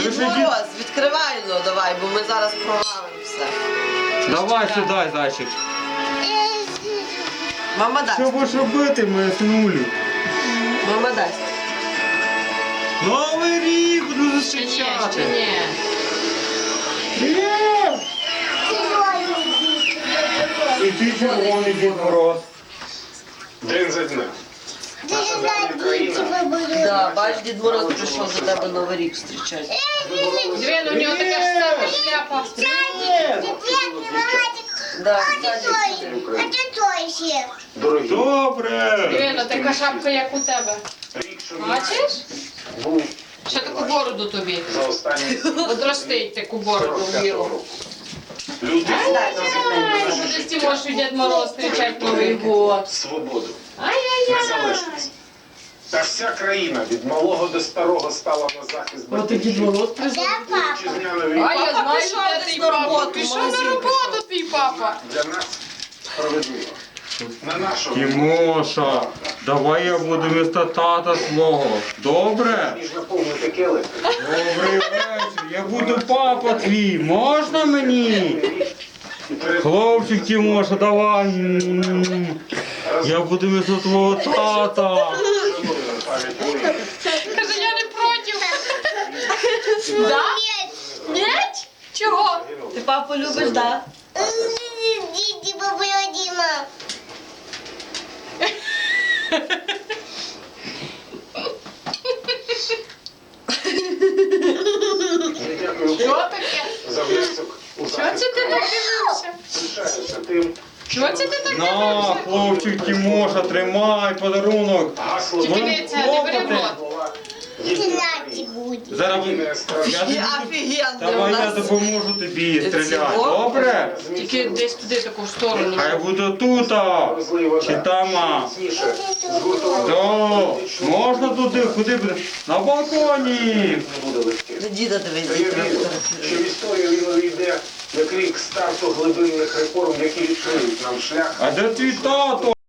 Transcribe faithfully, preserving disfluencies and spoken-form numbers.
Дід Мороз, відкривай, ну давай, бо ми зараз прогавимо все. Давай сюди, зайчик. Мама дасть. Що будеш робити, моя синулю? Мама дасть. Новий рік буду Ще ні, ще зустрічати. ні. Є! І ти червоний Дід Мороз. День за днем. Наша давня країна Да, бач, Дід Мороз прийшов за тебе Новий рік зустрічати. Дві, ну, у нього така ж сама шляпа. Да, дорогі. Добре. Дві, ну така шапка, як у тебе. Рік, що Бачиш? був Ще таку бороду тобі. за останні Одростить таку бороду сорок в п'ятого міру. року. Люди Буде Тимошу Дід Мороз зустрічати Новий год. свободу, Ай-яй-яй. незалежність. Та вся країна від малого до старого стала на захист От і Дід батьківщини. Мороз прийшов. Вітчизняної А я знаю, пішов де десь твій на папа. роботу, в Пішов на магазин роботу твій папа. для нас справедливо. На нашому Тимоша, давай я буду вместо тата свого. Добре? ніж наповнити келих. Добрий вечір. Я буду папа твій. Можна мені? І перед Хлопчик Тимоша, давай. М. Я буду вместо твого тата. шануємо пам'ять воїнів. Каже, я не проти. Да? Нет? Чого? Ти папу любиш, да? Діді, бабуля, Діма. Дякую Що таке? за внесок у Що захист. це ти так дивився? Пишаюся тим, Що це ти так На, дивився? хлопчик Тимоша, тримай подарунок. гасло Тільки Вон не це, не бери в хлопоти. рот. була Кімнаті буде. Зараз єдина я страшна. тобі, Офігенно у давай я нас. допоможу тобі стріляти. Цього? Добре? Тільки десь туди таку сторону. Хай буде тут, а, чи там. а. Міцніше згуртували То, політичну можна туди, куди буде? На балконі. не буде легким. До діда дивись, Та дід я вірю, трактор. що в історію він увійде як рік старту глибинних реформ, які відкриють нам шлях А де твій тато?